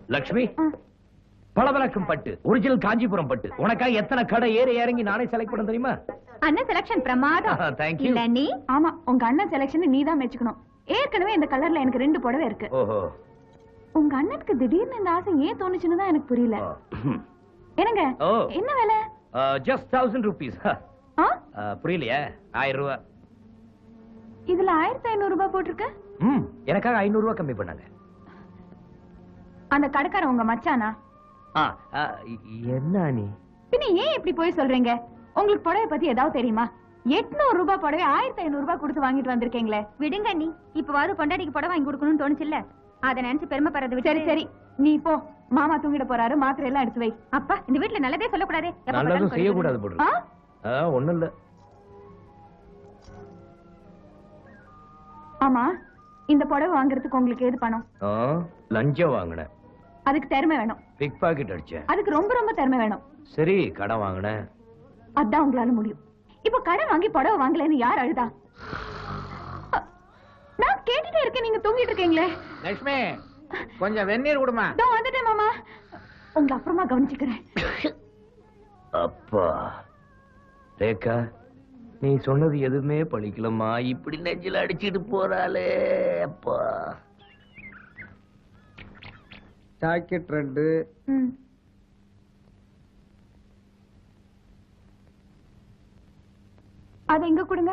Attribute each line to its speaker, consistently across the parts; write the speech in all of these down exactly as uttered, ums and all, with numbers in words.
Speaker 1: லட்சுமி, பளபளக்கும் பட்டு, ஒரிஜினல் காஞ்சிபுரம் பட்டு. உனக்காக எத்தனை கடை ஏறி இறங்கி நானே செலக்ட் பண்ண தெரியுமா?
Speaker 2: அண்ணன் செலக்ஷன் பிரமாதம்.
Speaker 1: Thank you.
Speaker 2: இல்ல நீ? ஆமா, உங்க அண்ணன் செலக்ஷன் நீ தான் மெச்சுக்கணும். ஏற்கனவே இந்த கலர்ல எனக்கு ரெண்டு புடவை இருக்கு.
Speaker 1: ஓஹோ.
Speaker 2: உங்க அண்ணனுக்கு திடீர்னு இந்த ஆசை ஏன் தோணுச்சுன்னு தான் எனக்கு புரியல. என்னங்க என்ன வேலை?
Speaker 1: Just thousand rupees. புரியலையா? ஆயிரம் ரூபாய்.
Speaker 2: இதுல ஆயிரத்தி ஐநூறு ரூபாய் போட்டிருக்கு.
Speaker 1: ம், எனக்காக ஐநூறு ரூபாய் கம்மி பண்ணாங்க.
Speaker 2: அந்த கடைக்காரன் உங்க மச்சானா?
Speaker 1: என்ன நீ
Speaker 2: பின்ன ஏன் இப்படி போய் சொல்றீங்க? உங்களுக்கு புடவை பத்தி ஏதாவது தெரியுமா? எட்நூறு ரூபாய் புடவை ஆயிரத்தி ஐநூறு ரூபாய் கொடுத்து வாங்கிட்டு வந்திருக்கீங்களே. விடுங்க நீ. இப்பவாது பொண்டாட்டிக்கு புடவை வாங்கி கொடுக்கணும்னு தோணுச்சுல்ல, அதை நினைச்சு பெருமைப்படுறது. சரி சரி, நீ போ. மாமா தூங்கிட போறாரு, மாத்திரை எல்லாம் எடுத்து வை. அப்பா, இந்த வீட்டுல நல்லதே சொல்லக்கூடாது,
Speaker 1: நல்லதும் செய்யக்கூடாது போடு. ஒண்ணும் இல்ல.
Speaker 2: ஆமா, இந்த புடவை வாங்குறதுக்கு உங்களுக்கு ஏது பணம்?
Speaker 1: லஞ்சம் வாங்கினேன்.
Speaker 2: அதுக்கு திறமை வேணும்.
Speaker 1: பிக் பாக்கெட் அடிச்சேன்.
Speaker 2: அதுக்கு ரொம்ப ரொம்ப திறமை வேணும்.
Speaker 1: சரி, கடன் வாங்கினேன்.
Speaker 2: அதான் உங்களால முடியும். இப்ப கடன் வாங்கி புடவை வாங்கலன்னு யார் அழுதா? நான் கேட்டுட்டே இருக்கேன், நீங்க தூங்கிட்டு இருக்கீங்களே.
Speaker 3: லட்சுமி, கொஞ்சம் வெந்நீர் கொடுமா.
Speaker 2: இதோ வந்துட்டேன் மாமா, உங்களை அப்புறமா கவனிச்சுக்கிறேன்.
Speaker 1: அப்பா ரேகா, நீ சொன்னது எதுவுமே பழிக்கலம்மா. இப்படி நெஞ்சில அடிச்சிட்டு போறாளே. அப்பா,
Speaker 3: ஜாக்கெட் ரெண்டு.
Speaker 2: அது எங்க கொடுங்க.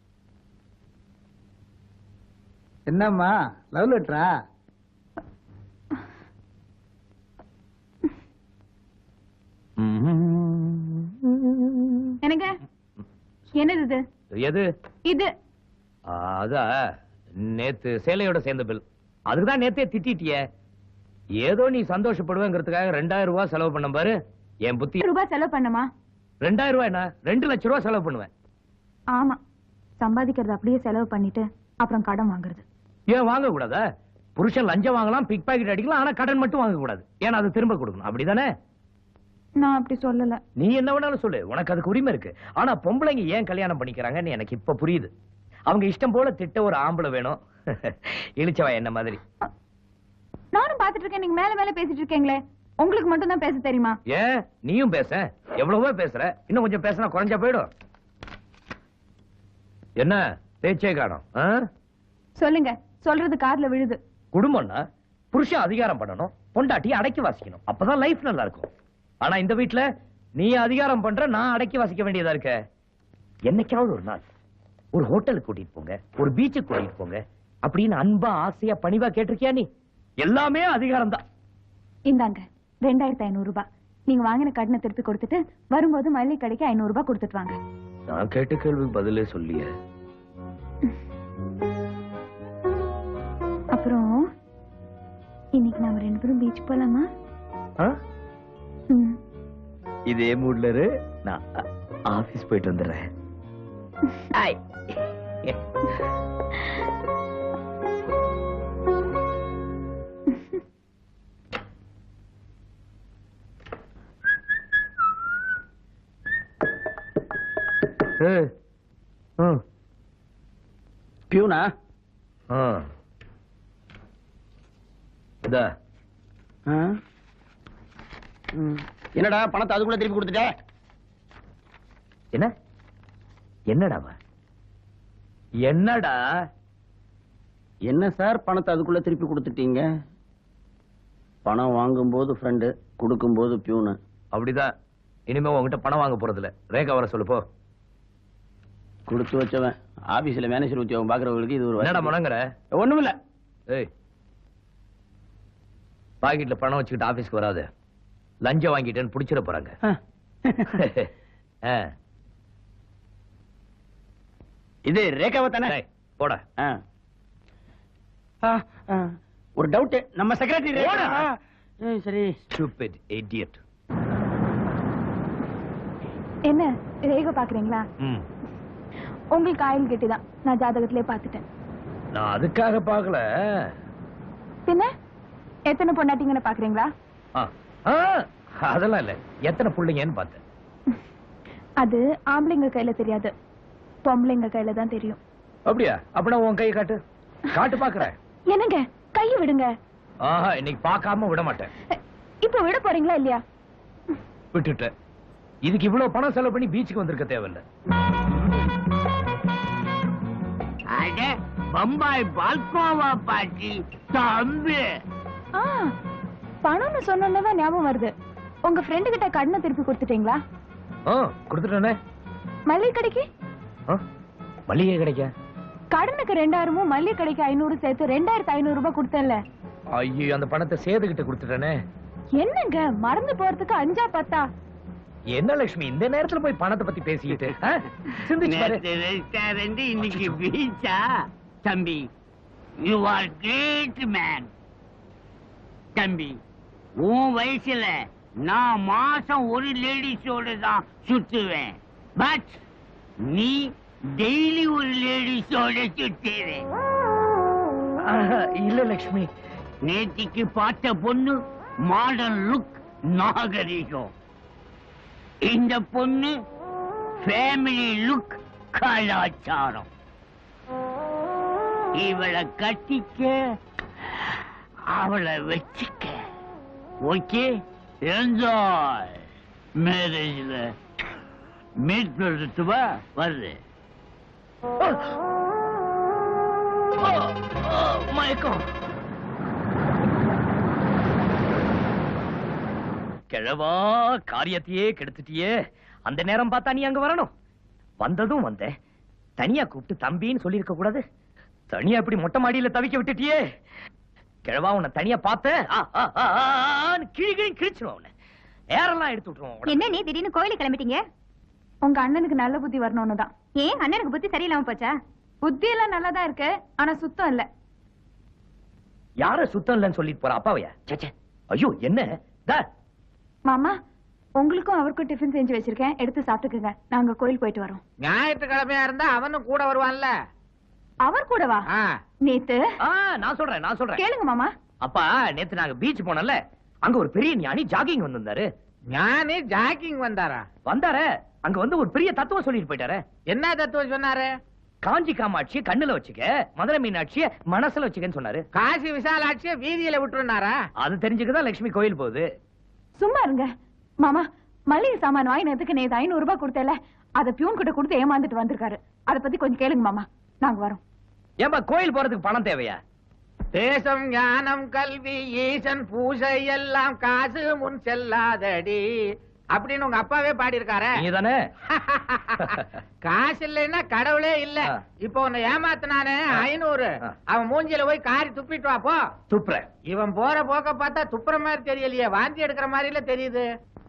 Speaker 3: என்னம்மா, லவ் லெட்டரா?
Speaker 2: எனக்கு என்னது இது?
Speaker 1: எது
Speaker 2: இது?
Speaker 1: அதா நேத்து சேலையோட சேர்ந்த பில். அதுக்குதான் நேத்தே திட்டிட்டிய. ஏதோ நீ சந்தோஷப்படுவேங்கிறதுக்காக ரெண்டாயிரம் ரூபாய் செலவு பண்ண பாரு. என் புத்தி.
Speaker 2: ரூபாய் செலவு பண்ணுமா?
Speaker 1: ரெண்டாயிரம் ரூபாய் என்ன, ரெண்டு லட்சம் ரூபாய் செலவு பண்ணுவேன்.
Speaker 2: ஆமா, சம்பாதிக்கிறது அப்படியே செலவு பண்ணிட்டு அப்புறம் கடன் வாங்குறது.
Speaker 1: ஏன் வாங்க கூடாதா? புருஷன் லஞ்சம் வாங்கலாம், பிக் பாக்கெட் அடிக்கலாம், ஆனா கடன் மட்டும் வாங்க கூடாது. ஏன்னா அது திரும்ப கொடுக்கணும். அப்படிதானே?
Speaker 2: நான் அப்படி சொல்லல.
Speaker 1: நீ என்ன வேணாலும் சொல்லு, உனக்கு அதுக்கு உரிமை இருக்கு. ஆனா பொம்பளைங்க ஏன் கல்யாணம் பண்ணிக்கிறாங்கன்னு எனக்கு இப்ப புரியுது. அவங்க இஷ்டம் போல திட்ட ஒரு ஆம்பளை வேணும். இழிச்சவா என்ன மாதிரி.
Speaker 2: நானும் பாத்துட்டு இருக்கேன், நீங்க மேல மேல பேசிட்டு இருக்கீங்களே. உங்களுக்கு மட்டும் தான் பேச தெரியுமா?
Speaker 1: ஏன் நீயும் பேச? எவ்வளவோ பேசுற, இன்னும் கொஞ்சம் பேசினா குறைஞ்சா போயிடும். என்ன பேச்சே காணோம்?
Speaker 2: சொல்லுங்க, சொல்றது காதுல விழுது.
Speaker 1: குடும்பம்னா புருஷன் அதிகாரம் பண்ணணும், பொண்டாட்டி அடக்கி வாசிக்கணும். அப்பதான் லைஃப் நல்லா இருக்கும். ஆனா இந்த வீட்டுல நீ அதிகாரம் பண்ற, நான் அடக்கி வாசிக்க வேண்டியதா இருக்க. என்னைக்காவது ஒரு நாள் ஒரு ஹோட்டலுக்கு கூட்டிட்டு போங்க, ஒரு பீச்சுக்கு கூட்டிட்டு போங்க அப்படின்னு அன்பா ஆசையா பணிவா கேட்டிருக்கியா? நீ எல்லாமே அதிகாரம் தான்.
Speaker 2: இந்தாங்க ரெண்டாயிரத்தி ஐநூறு ரூபாய். நீங்க வாங்கின கடனை திருப்பி கொடுத்துட்டு வரும்போது மல்லிகை கடைக்கு ஐநூறு ரூபாய் கொடுத்துட்டு வாங்க.
Speaker 1: நான் கேட்ட கேள்விக்கு பதிலே சொல்லிய.
Speaker 2: அப்புறம் இன்னைக்கு நாம ரெண்டு பேரும் பீச் போலாமா?
Speaker 1: இதே மூட்ல இரு, நான் ஆபீஸ் போயிட்டு வந்துடுறேன்.
Speaker 3: பியூனா? என்னடா பணத்தை அதுக்குள்ள திருப்பி கொடுத்துட்ட?
Speaker 1: என்ன என்னடா என்னடா?
Speaker 3: என்ன சார் பணத்தை அதுக்குள்ள திருப்பி கொடுத்துட்டீங்க? பணம் வாங்கும் போது ஃப்ரெண்டு, கொடுக்கும் போது பியூனு.
Speaker 1: அப்படிதான். இனிமே உங்ககிட்ட பணம் வாங்க போறது இல்ல. ரேகா வர சொல்லு போ.
Speaker 3: கொடுத்து வச்சவன் ஆபீஸ்ல மேனேஜர் உத்தியோகம் பாக்குறவங்களுக்கு இது ஒரு
Speaker 1: என்னடா முழங்குற?
Speaker 3: ஒண்ணும் இல்ல.
Speaker 1: ஏய், பாக்கெட்ல பணம் வச்சுக்கிட்டு ஆபீஸ்க்கு வராது. லஞ்சம் வாங்கிட்டேன்னு புடிச்சிட போறாங்க.
Speaker 3: இது ரேகாவை தானே?
Speaker 1: போட.
Speaker 3: ஒரு டவுட், நம்ம செக்ரட்டரி. சரி.
Speaker 1: Stupid idiot.
Speaker 2: என்ன ரேகா பாக்குறீங்களா? உங்களுக்கு ஆயில் கெட்டிதான், நான் ஜாதகத்திலே பாத்துட்டேன்.
Speaker 1: நான் அதுக்காக பாக்கல.
Speaker 2: பின்ன எத்தனை பொண்டாட்டிங்கன்னு பாக்குறீங்களா?
Speaker 1: அதெல்லாம் இல்ல, எத்தனை பிள்ளைங்கன்னு பார்த்தேன்.
Speaker 2: அது ஆம்பளைங்க கையில தெரியாது, பொம்பளைங்க கையில தான் தெரியும்.
Speaker 1: அப்படியா? அப்படின்னா உன் கையை காட்டு. காட்டு பாக்குறேன்.
Speaker 2: என்னங்க கையை விடுங்க.
Speaker 1: ஆஹா, இன்னைக்கு பார்க்காம விட மாட்டேன்.
Speaker 2: இப்போ விட போறீங்களா இல்லையா?
Speaker 1: விட்டுட்டேன். இதுக்கு இவ்வளவு பணம் செலவு பண்ணி பீச்சுக்கு வந்திருக்க தேவையில்லை.
Speaker 4: அட பம்பாய் பால்கோவா பாட்டி தம்பி.
Speaker 2: ஆ, பணம்னு சொன்னதான் ஞாபகம் வருது. உங்க ஃப்ரெண்டு கிட்ட கடனை திருப்பி கொடுத்துட்டீங்களா?
Speaker 1: ஆ, கொடுத்துட்டேனே.
Speaker 2: மல்லிகை கடைக்கு
Speaker 1: மளிகை கிடைக்க
Speaker 2: கடனுக்கு ரெண்டாயிரமும் மல்லிகை கடைக்கு ஐநூறு சேர்த்து ரெண்டாயிரத்தி ஐநூறு ரூபாய் கொடுத்தேன்ல.
Speaker 1: ஐயோ, அந்த பணத்தை சேதுகிட்ட கொடுத்துட்டேனே.
Speaker 2: என்னங்க மறந்து போறதுக்கு அஞ்சா பத்தா?
Speaker 1: என்ன லட்சுமி இந்த நேரத்துல போய் பணத்தை பத்தி பேசிக்கிட்டு? ஆ? சிந்திச்சு பாரு.
Speaker 4: நேத்து ரெஸ்டாரண்ட் இன்னைக்கு பீச்சா? தம்பி, யூ ஆர் கிரேட் மேன். தம்பி, உன் வயசுல நான் மாசம் ஒரு லேடிஸோட தான் சுத்துவேன். பட் நீ டெய்லி ஒரு லேடிஸோட சுத்துவேன்.
Speaker 1: ஆஹா, இல்ல லட்சுமி.
Speaker 4: நேத்திக்கு பார்த்த பொண்ணு மாடர்ன் லுக், நாகரிகம். இந்த பொண்ணு ஃபேமிலி லுக், கலாச்சாரம். இவளை கட்டிக்க, அவளை வச்சுக்க. Okay, enjoy. மேரேஜ்ல மீட் பண்ணுறது வா, வருது.
Speaker 1: மயக்கம். கிழவா, காரியத்தையே கெடுத்துட்டியே. அந்த நேரம் பார்த்தா நீ அங்க வரணும். வந்ததும் வந்த தனியா கூப்பிட்டு தம்பின்னு சொல்லி இருக்க கூடாது. தனியா இப்படி மொட்டை மாடியில தவிக்க விட்டுட்டியே. கிழவா, உன்னை தனியா பார்த்த கிழி கிழி கிழிச்சிடும். உன்னை ஏரெல்லாம் எடுத்து விட்டுருவோம்.
Speaker 2: என்ன நீ திடீர்னு கோயிலுக்கு கிளம்பிட்டீங்க? உங்க அண்ணனுக்கு நல்ல புத்தி வரணும்னு தான். ஏன் அண்ணனுக்கு புத்தி சரியில்லாம போச்சா? புத்தி எல்லாம் நல்லாதான் இருக்கு, ஆனா சுத்தம் இல்ல.
Speaker 1: யார சுத்தம் இல்லைன்னு சொல்லிட்டு போற அப்பாவையா? சேச்சே, ஐயோ என்ன தா.
Speaker 2: மாமா, உங்களுக்கும் அவருக்கும் டிஃபன் செஞ்சு வச்சிருக்கேன், எடுத்து சாப்பிட்டுக்குங்க. நாங்க கோயில் போயிட்டு வரோம்.
Speaker 5: ஞாயிற்றுக்கிழமையா இருந்தா அவனும் கூட வருவான்ல.
Speaker 2: அவர் கூடவா?
Speaker 5: ஆ.
Speaker 2: நேத்து
Speaker 1: ஆ, நான் சொல்றேன் நான் சொல்றேன்
Speaker 2: கேளுங்க மாமா.
Speaker 1: அப்பா, நேத்து நாங்க பீச் போனோம்ல, அங்க ஒரு பெரிய ஞானி ஜாகிங் வந்திருந்தாரு.
Speaker 5: ஞானி ஜாக்கிங் வந்தாரா?
Speaker 1: வந்தாரு. அங்க வந்து ஒரு பெரிய தத்துவம் சொல்லிட்டு போயிட்டாரு.
Speaker 5: என்ன தத்துவம் சொன்னாரு?
Speaker 1: காஞ்சி காமாட்சியை கண்ணுல வச்சுக்க, மதுரை மீனாட்சியை மனசுல வச்சுக்கன்னு சொன்னாரு.
Speaker 5: காசி விசாலாட்சிய வீதியில விட்டுருனாரா?
Speaker 1: அது தெரிஞ்சுக்கதான் லட்சுமி கோயில் போகுது.
Speaker 2: சும்மா இருங்க மாமா. மளிகை சாமான் வாங்கினதுக்கு நேத்து ஐநூறு ரூபாய் கொடுத்தேல, அத பியூன் கிட்ட கொடுத்து ஏமாந்துட்டு வந்திருக்காரு. அத பத்தி கொஞ்சம் கேளுங்க மாமா, நாங்க வரோம்.
Speaker 1: ஏன்பா கோயில் போறதுக்கு பணம் தேவையா?
Speaker 5: தேசம் ஞானம் கல்வி ஈசன் பூசை எல்லாம் காசு முன் செல்லாதடி அப்படின்னு உங்க அப்பாவே பாடி இருக்காரு.
Speaker 1: நீங்க தானே?
Speaker 5: காசு இல்லைன்னா கடவுளே இல்ல.
Speaker 1: ஆ.
Speaker 5: இப்போ உன்னை ஏமாத்தினானே ஐநூறு,
Speaker 1: ஆ.
Speaker 5: அவன் மூஞ்சில போய் காரி துப்பிட்டு வா போ.
Speaker 1: துப்புற.
Speaker 5: இவன் போற போக்க பார்த்தா துப்புற மாதிரி தெரியலையே, வாந்தி எடுக்கிற மாதிரில தெரியுது.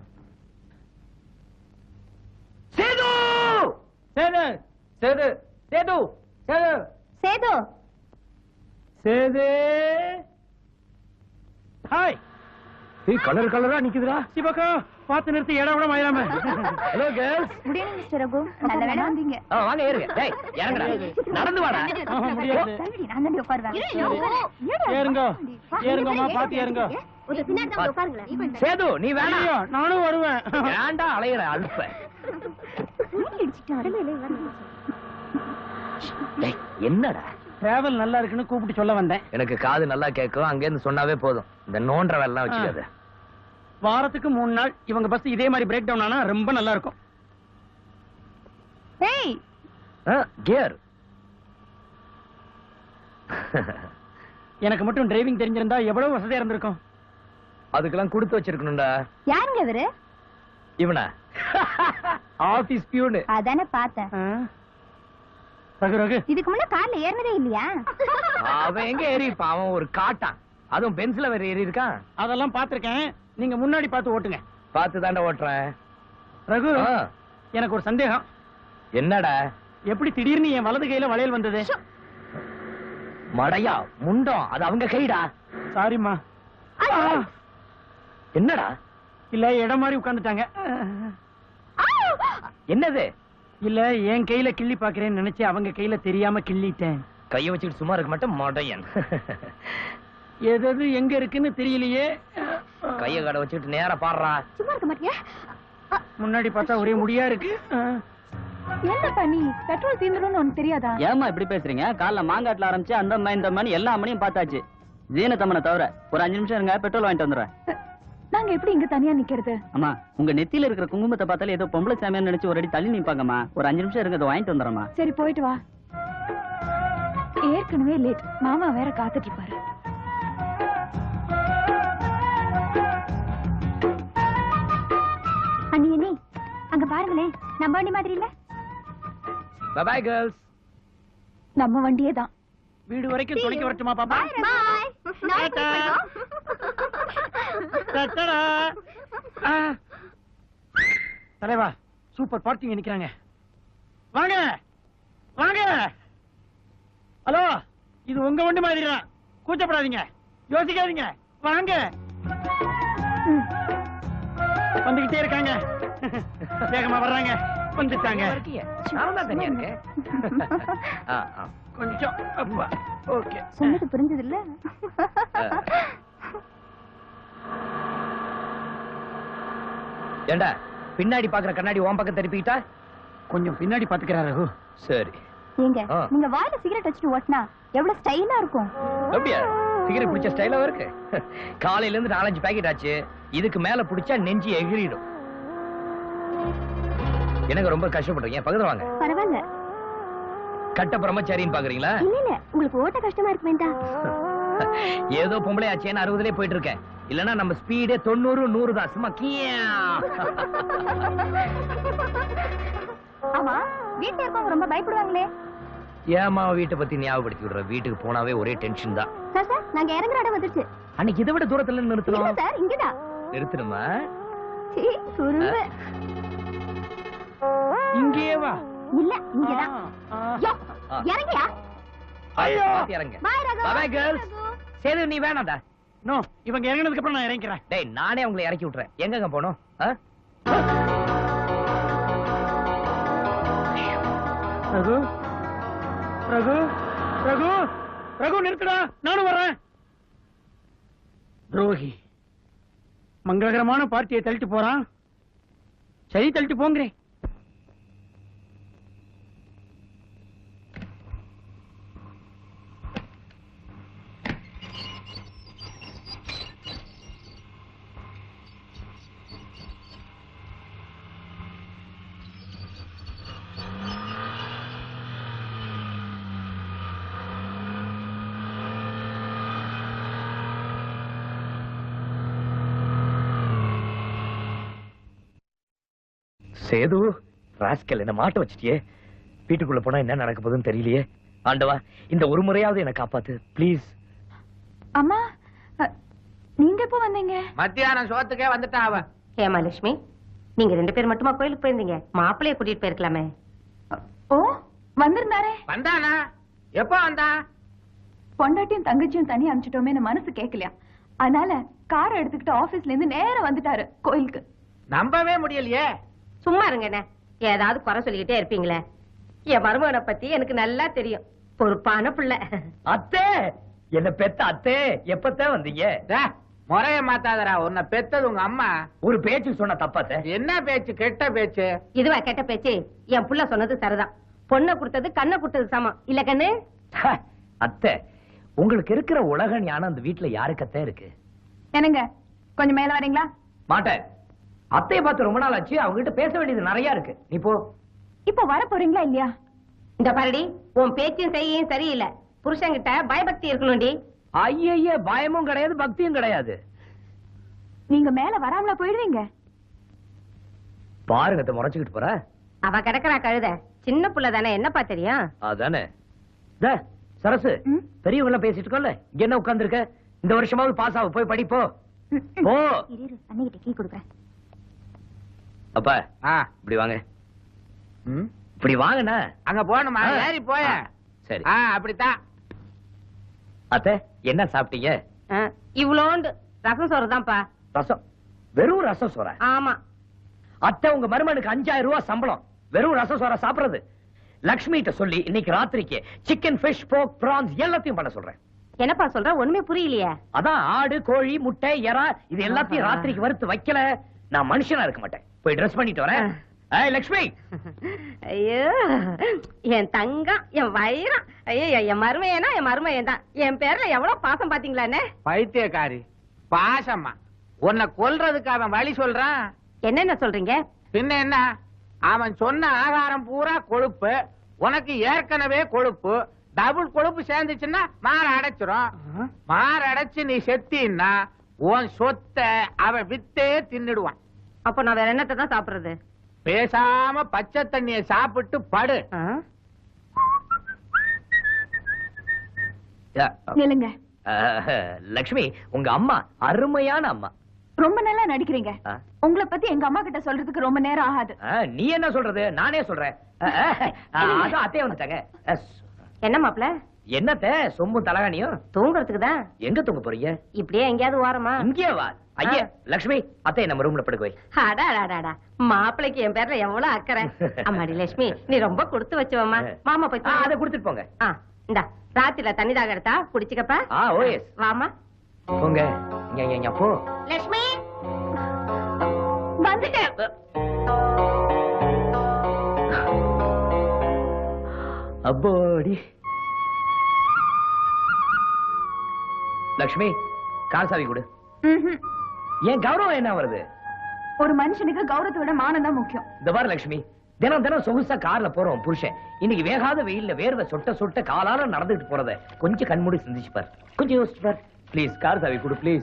Speaker 1: சேது சேது சேது சேது சேது
Speaker 2: சேது
Speaker 1: சேது. ஹாய். ஏய், கலர் கலரா நிக்குதுடா. சிவகா, பாத்து நிறுத்தி இடம் விட மாயிராம. Hello girls.
Speaker 2: Good evening mister Raghu. நல்ல வேளை வந்தீங்க.
Speaker 1: ஆ, வாங்க ஏறுங்க. டேய், இறங்குடா. நடந்து வாடா.
Speaker 2: முடியாது. நான் தான் உட்காருவேன்.
Speaker 5: ஏறுங்க. ஏறுங்கம்மா, பாத்து ஏறுங்க.
Speaker 2: ஒரு பின்னாடி தான் உட்காருங்க.
Speaker 1: சேது, நீ வேணாம்.
Speaker 5: நானும் வருவேன்.
Speaker 1: ஏன்டா அலையற அல்ப? டேய், என்னடா?
Speaker 5: டிராவல் நல்லா இருக்குன்னு கூப்பிட்டு சொல்ல வந்தேன்.
Speaker 1: எனக்கு காது நல்லா கேட்கும், அங்க இருந்து சொன்னாவே போதும். இந்த நோன்ற வேலை வச்சுக்காத.
Speaker 5: வாரத்துக்கு மூணு நாள் இவங்க பஸ் இதே மாதிரி பிரேக் டவுன் ஆனா ரொம்ப நல்லா இருக்கும்.
Speaker 2: ஏய்,
Speaker 1: கியர்.
Speaker 5: எனக்கு மட்டும் டிரைவிங் தெரிஞ்சிருந்தா எவ்வளவு வசதியா இருந்திருக்கும்.
Speaker 1: அதுக்கெல்லாம் கொடுத்து வச்சிருக்கணும்டா.
Speaker 2: யாருங்க இவரு?
Speaker 1: இவனா? Office peon.
Speaker 2: அதானே பார்த்தேன்.
Speaker 5: ரகு ரகு,
Speaker 2: இதுக்கு முன்ன கார்ல ஏறினதே இல்லையா?
Speaker 1: அவன் எங்க ஏறி இருப்பான்? அவன் ஒரு காட்டான். அதுவும் பென்சில வேற ஏறி இருக்கான்.
Speaker 5: அதெல்லாம் பாத்திருக்கேன். நீங்க முன்னாடி பார்த்து ஓட்டுங்க.
Speaker 1: பார்த்து தாண்டா ஓட்டுறேன்.
Speaker 5: ரகு,
Speaker 1: ஆ.
Speaker 5: எனக்கு ஒரு சந்தேகம்.
Speaker 1: என்னடா?
Speaker 5: எப்படி திடீர்னு என் வலது கையில வளையல் வந்தது?
Speaker 1: மடையா முண்டம், அது அவங்க கைடா.
Speaker 5: சாரிம்மா.
Speaker 1: என்னடா?
Speaker 5: இல்ல இடம் மாதிரி உட்கார்ந்துட்டாங்க.
Speaker 1: என்னது?
Speaker 5: இல்ல என் கையில கிள்ளி பாக்குறேன்னு நினைச்சு அவங்க கையில தெரியாம கிள்ளிட்டேன்.
Speaker 1: கைய வச்சுட்டு சும்மா இருக்க மாட்டேன் மடையன்.
Speaker 5: எது எங்க இருக்குன்னு தெரியலையே.
Speaker 1: கைய கடை வச்சுட்டு நேரா பாடுறா.
Speaker 2: சும்மா இருக்க மாட்டியா?
Speaker 5: முன்னாடி பார்த்தா ஒரே முடியா இருக்கு.
Speaker 2: என்ன பண்ணி பெட்ரோல் தீந்துரும்னு உனக்கு தெரியாதா?
Speaker 3: ஏமா இப்படி பேசுறீங்க? காலைல மாங்காட்டுல ஆரம்பிச்சு அந்த அம்மா இந்த அம்மா எல்லா அம்மனையும் பார்த்தாச்சு. ஜீனத்தம்மனை தவிர ஒரு அஞ்சு நிமிஷம் இருங்க, பெட்ரோல் வாங்கிட்டு வந்துடுறேன்.
Speaker 2: நாங்க எப்படி இங்க தனியா நிக்கிறது?
Speaker 3: அம்மா, உங்க நெத்தியில இருக்கிற குங்குமத்தை பார்த்தாலே ஏதோ பொம்பளை சாமியான்னு நினைச்சு ஒரு அடி தள்ளி நிப்பாங்கம்மா. ஒரு அஞ்சு நிமிஷம் இருங்க, அதை வாங்கிட்டு வந்துடுறேம்மா.
Speaker 2: சரி போயிட்டு வா. ஏற்கனவே லேட், மாமா வேற காத்துட்டு இருப்பாரு. அண்ணி அண்ணி, அங்க பாருங்களேன், நம்ம வண்டி மாதிரி இல்ல?
Speaker 1: Bye bye girls.
Speaker 2: நம்ம வண்டியே தான்.
Speaker 4: வீடு வரைக்கும் துணைக்கு வரட்டுமா பாப்பா? தலைவா, சூப்பர் பார்ட்டிங்க நிக்கிறாங்க. வாங்க வாங்க. ஹலோ, இது உங்க வண்டி மாதிரி தான், கூச்சப்படாதீங்க, யோசிக்காதீங்க, வாங்க. வந்துகிட்டே இருக்காங்க, வேகமா வர்றாங்க, வந்துட்டாங்க.
Speaker 1: நான் தான் தனியா இருக்கேன். ஆ, ஆ.
Speaker 4: கொஞ்சம் அப்பா. ஓகே,
Speaker 2: சொன்னது புரிஞ்சது இல்ல?
Speaker 1: ஏண்டா பின்னாடி பாக்குற கண்ணாடி உன் பக்கம் திருப்பிக்கிட்டா?
Speaker 4: கொஞ்சம் பின்னாடி பாத்துக்கிறாரு ரகு.
Speaker 1: சரி.
Speaker 2: ஏங்க,
Speaker 1: ஆ.
Speaker 2: நீங்க வாயில சிகரெட் வச்சுட்டு ஓட்டினா எவ்வளவு ஸ்டைலா இருக்கும்.
Speaker 1: அப்படியா? சிகரெட் பிடிச்ச ஸ்டைலாவும் இருக்கு. காலையில இருந்து நாலஞ்சு பாக்கெட் ஆச்சு, இதுக்கு மேல பிடிச்சா நெஞ்சு எகிறிடும். எனக்கு ரொம்ப கஷ்டப்படுறீங்க, பக்கத்துல வாங்க.
Speaker 2: பரவாயில்ல.
Speaker 1: கட்ட பிரம்மச்சாரின்னு பாக்குறீங்களா?
Speaker 2: இல்ல இல்ல, உங்களுக்கு ஓட்ட கஷ்டமா இருக்கு வேண்டாம்.
Speaker 1: ஏதோ பொம்பளை ஆச்சேன்னு அறுபதுலயே போயிட்டு இருக்கேன். இல்லன்னா நம்ம ஸ்பீடே தொண்ணூறு நூறு தான். சும்மா கியா.
Speaker 2: ஆமா, வீட்டுல இருக்கவங்க ரொம்ப பயப்படுவாங்களே.
Speaker 1: ஏமா வீட்டை பத்தி ஞாபகப்படுத்தி விடுற? வீட்டுக்கு போனாவே ஒரே டென்ஷன் தான்.
Speaker 2: சார் சார், நாங்க இறங்குற இடம் வந்துருச்சு.
Speaker 1: அன்னைக்கு இதை விட தூரத்துல
Speaker 2: இல்ல
Speaker 1: நிறுத்தணும்.
Speaker 2: சார், இங்கதான்.
Speaker 1: நிறுத்தணுமா?
Speaker 2: சீ, குறும்பு.
Speaker 4: இங்கேயே வா.
Speaker 2: இல்ல, இங்கதான். யோ,
Speaker 1: ஆ.
Speaker 2: இறங்கியா?
Speaker 4: ஐயோ.
Speaker 1: பாத்து இறங்க.
Speaker 2: பாய் Raghu.
Speaker 1: Bye bye girls. Setu நீ வேணாம்டா.
Speaker 4: நோ, இவங்க இறங்கினதுக்கு அப்புறம் நான் இறங்கிக்கிறேன்.
Speaker 1: டேய், நானே உங்களை இறக்கி விட்டுறேன். எங்கங்க போகணும்? ஆ?
Speaker 4: ரகு ரகு ரகு ரகு நிறுத்துடா, நானும் வர்றேன். துரோகி மங்களகரமான பார்ட்டியை தள்ளிட்டு போறான். சரி, தள்ளிட்டு போங்கிறேன்.
Speaker 1: சேது, ராஸ்கல், என்ன மாட்ட வச்சிட்டியே. வீட்டுக்குள்ள போனா என்ன நடக்க போகுதுன்னு தெரியலையே. ஆண்டவா, இந்த ஒரு முறையாவது என்ன காப்பாத்து ப்ளீஸ்.
Speaker 2: அம்மா, அ, நீங்க எப்போ வந்தீங்க?
Speaker 5: மத்தியானம் சோத்துக்கே வந்துட்டா அவ.
Speaker 6: ஹேமாலட்சுமி, நீங்க ரெண்டு பேர் மட்டுமா கோயிலுக்கு போயிருந்தீங்க? மாப்பிள்ளைய கூட்டிட்டு போயிருக்கலாமே.
Speaker 2: ஓ, வந்திருந்தாரே.
Speaker 5: வந்தானா? எப்போ வந்தா?
Speaker 2: பொண்டாட்டியும் தங்கச்சியும் தனியா அனுப்பிச்சிட்டோமே மனசு கேட்கலையா, அதனால காரை எடுத்துக்கிட்டு ஆபீஸ்ல இருந்து நேரா வந்துட்டாரு கோயிலுக்கு.
Speaker 5: நம்பவே முடியலையே.
Speaker 6: சும்மா இருங்க என்ன, ஏதாவது குறை சொல்லிக்கிட்டே இருப்பீங்களே. என் மருமகனை பத்தி எனக்கு நல்லா தெரியும், பொறுப்பான பிள்ளை.
Speaker 1: அத்தே, என்ன பெத்த அத்தே, எப்பத்தான் வந்தீங்க?
Speaker 5: டே, முறைய மாத்தாதடா, உன்னை பெத்தது உங்க அம்மா.
Speaker 1: ஒரு பேச்சு சொன்ன தப்பாத்தே.
Speaker 5: என்ன பேச்சு? கெட்ட பேச்சு.
Speaker 6: இதுவா கெட்ட பேச்சு? என் புள்ள சொன்னது சரிதான். பொண்ணை கொடுத்தது கண்ணை கொடுத்தது சமம் இல்ல கண்ணு?
Speaker 1: அத்தை, உங்களுக்கு இருக்கிற உலக ஞானம் அந்த வீட்டுல யாருக்கத்தே இருக்கு?
Speaker 2: என்னங்க, கொஞ்சம் மேல வரீங்களா?
Speaker 1: மாட்டேன். அத்தையை பார்த்து ரொம்ப நாள் ஆச்சு, அவங்க கிட்ட பேச வேண்டியது நிறைய இருக்கு. நீ போ.
Speaker 2: இப்ப வர போறீங்களா இல்லையா?
Speaker 6: இந்த பாருடி, உன் பேச்சும் செய்யும் சரியில்லை. புருஷன்கிட்ட பயபக்தி இருக்கணும்டி.
Speaker 1: ஐய, பயமும் கிடையாது, பக்தியும் கிடையாது.
Speaker 2: நீங்க மேல வராமலா போயிடுவீங்க?
Speaker 1: பாருங்க, முறைச்சுக்கிட்டு போற.
Speaker 6: அவ கிடக்குறா கழுத, சின்ன புள்ள தானே, என்னப்பா தெரியும்?
Speaker 1: அதானே. சரசு,
Speaker 2: ம்?
Speaker 1: பெரியவங்க எல்லாம் பேசிட்டு இருக்கோம்ல, இங்க என்ன உட்கார்ந்து இருக்க? இந்த வருஷமாவது பாஸ் ஆகு, போய் படிப்போ. போ.
Speaker 2: இரு, அன்னைகிட்ட கீ கொடுக்குறேன்.
Speaker 1: அப்பா,
Speaker 5: ஆ,
Speaker 1: இப்படி வாங்க.
Speaker 5: ம்,
Speaker 1: இப்படி வாங்கண்ணா.
Speaker 5: அங்க போகணுமா?
Speaker 1: ஆ.
Speaker 5: ஏறி போய.
Speaker 1: ஆ, சரி.
Speaker 5: ஆ, அப்படித்தான்.
Speaker 1: அத்தை, என்ன சாப்பிட்டீங்க?
Speaker 6: ஆ, இவ்வளோண்டு ரசம் சோறுதான்ப்பா.
Speaker 1: ரசம்? வெறும் ரசம் சோற?
Speaker 6: ஆமா.
Speaker 1: அத்தை, உங்க மருமனுக்கு அஞ்சாயிரம் ரூபாய் சம்பளம், வெறும் ரசம் சோற சாப்பிடுறது. லக்ஷ்மி கிட்ட சொல்லி இன்னைக்கு ராத்திரிக்கு சிக்கன், ஃபிஷ், போர்க், பிரான்ஸ் எல்லாத்தையும் பண்ண சொல்றேன்.
Speaker 6: என்னப்பா சொல்ற? ஒண்ணுமே புரியலையே.
Speaker 1: அதான் ஆடு, கோழி, முட்டை, எறா இது எல்லாத்தையும் ராத்திரிக்கு வறுத்து வைக்கல, நான் மனுஷனா இருக்க மாட்டேன். போய் ட்ரெஸ் பண்ணிட்டு வரேன். ஏய் லட்சுமி,
Speaker 6: ஐயோ என் தங்கம், என் வைரம், ஐயோ என் மருமையனா என் மருமையன் தான். என் பேர்ல எவ்வளவு பாசம் பாத்தீங்களாண்ணே.
Speaker 5: பைத்தியக்காரி, பாசம்மா. உன்னை கொல்றதுக்கு அவன் வழி சொல்றான்.
Speaker 6: என்னென்ன சொல்றீங்க?
Speaker 5: பின்ன என்ன, அவன் சொன்ன ஆகாரம் பூரா கொழுப்பு, உனக்கு ஏற்கனவே கொழுப்பு, டபுள் கொழுப்பு சேர்ந்துச்சுன்னா மாற அடைச்சிரும். மாற அடைச்சு நீ செத்தின்னா உன் சொத்தை அவன் வித்தே தின்னுடுவான்.
Speaker 6: அப்ப நான் வேற என்னத்தை தான் சாப்பிடுறது?
Speaker 5: பேசாம பச்சை தண்ணிய சாப்பிட்டு படு.
Speaker 6: ஆ?
Speaker 2: நில்லுங்க.
Speaker 1: அஹ், லட்சுமி, உங்க அம்மா அருமையான அம்மா.
Speaker 2: ரொம்ப நல்லா நடிக்கிறீங்க.
Speaker 1: ஆ.
Speaker 2: உங்களை பத்தி எங்க அம்மா கிட்ட சொல்றதுக்கு ரொம்ப நேரம் ஆகாது.
Speaker 1: அஹ், நீ என்ன சொல்றது, நானே சொல்றேன். அஹ், அஹ், அதான் அத்தையே வந்துட்டாங்க. அஹ்,
Speaker 6: என்ன மாப்ள?
Speaker 1: என்னத்த சொம்பும் தலகாணியும்?
Speaker 6: தூங்குறதுக்கு தான்.
Speaker 1: எங்க தூங்க போறீங்க?
Speaker 6: இப்படியே எங்கேயாவது ஓரமா?
Speaker 1: இங்கே வா. ஐயா லட்சுமி, அத்தையை நம்ம ரூம்ல படுக்க வை.
Speaker 6: அடா அடாடா, மாப்பிளைக்கு என் பேர்ல எவ்வளவு அக்கறை. அம்மாடி லட்சுமி, நீ ரொம்ப கொடுத்து வச்சவம்மா. மாமா போய்
Speaker 1: ஆ, அதை குடுத்துட்டு போங்க.
Speaker 6: ஆ, இந்தா ராத்திரில தண்ணி தாக எடுத்தா குடிச்சுக்கப்பா.
Speaker 1: ஆ, ஓ எஸ்.
Speaker 6: வாமா.
Speaker 1: போங்க. இங்க, இங்க, இங்க, போ.
Speaker 6: லட்சுமி
Speaker 2: வந்துட்டேன்.
Speaker 1: அப்பாடி. லட்சுமி, கார் சாவி கொடு.
Speaker 2: ம்ஹும்.
Speaker 1: ஏன் கௌரவம் என்ன வருது?
Speaker 2: ஒரு மனுஷனுக்கு கௌரவத்தை விட மானம் தான் முக்கியம்.
Speaker 1: இந்த பாரு லட்சுமி, தினம் தினம் சொகுசா கார்ல போறோம் புருஷன். இன்னைக்கு வேகாத வெயில்ல வேர்வை சொட்ட சொட்ட காலால நடந்துட்டு போறத கொஞ்சம் கண்மூடி சிந்திச்சு பார். கொஞ்சம் யோசிச்சு பார். ப்ளீஸ் கார் சாவி கொடு ப்ளீஸ்.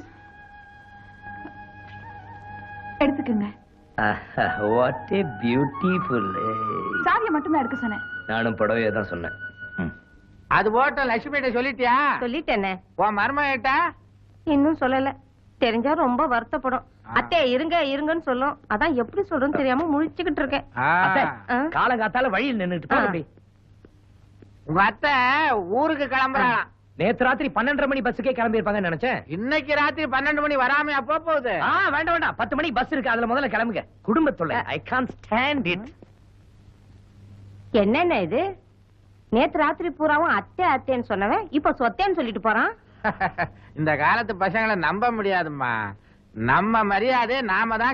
Speaker 2: எடுத்துக்கங்க.
Speaker 1: What a beautiful.
Speaker 2: சாவியை மட்டும் தான் எடுக்க சொன்னேன்.
Speaker 1: நானும் படவே தான் சொன்னேன். ம்.
Speaker 5: அது போட்ட லட்சுமிகிட்ட சொல்லிட்டியா?
Speaker 6: சொல்லிட்டேனே.
Speaker 5: உன் மருமகிட்ட?
Speaker 6: இன்னும் சொல்லல. தெரிஞ்சா ரொம்ப வருத்தப்படும். அத்தை இருங்க இருங்கன்னு சொல்லும். அதான் எப்படி சொல்றேன்னு தெரியாம முழிச்சுக்கிட்டு இருக்கேன்.
Speaker 1: அத்தை,
Speaker 6: ஆ?
Speaker 1: காலங்காத்தால வழியில் நின்னுட்டு போ
Speaker 6: ஆ.
Speaker 1: அப்படி.
Speaker 5: உங்க அத்தை ஊருக்கு கிளம்புறாளாம்.
Speaker 1: நேத்து ராத்திரி பன்னெண்டரை மணி பஸ்ஸுக்கே கிளம்பி இருப்பாங்கன்னு நினைச்சேன்.
Speaker 5: இன்னைக்கு ராத்திரி பன்னெண்டு மணி வராமையா போக போகுது?
Speaker 1: ஆ, வேண்டாம் வேண்டாம், பத்து மணிக்கு பஸ் இருக்கு, அதுல முதல்ல கிளம்புங்க. குடும்பத்துல ஐ கான்ட் ஸ்டாண்ட் இட்.
Speaker 6: என்னென்ன இது? நேத்து ராத்திரி பூராவும் அத்தை அத்தைன்னு சொன்னவன் இப்ப சொத்தேன்னு சொல்லிட்டு போறான்.
Speaker 5: இந்த காலத்து பசங்களை நம்ப முடியாதும்மா. நம்ம மரியாதை நாம தான்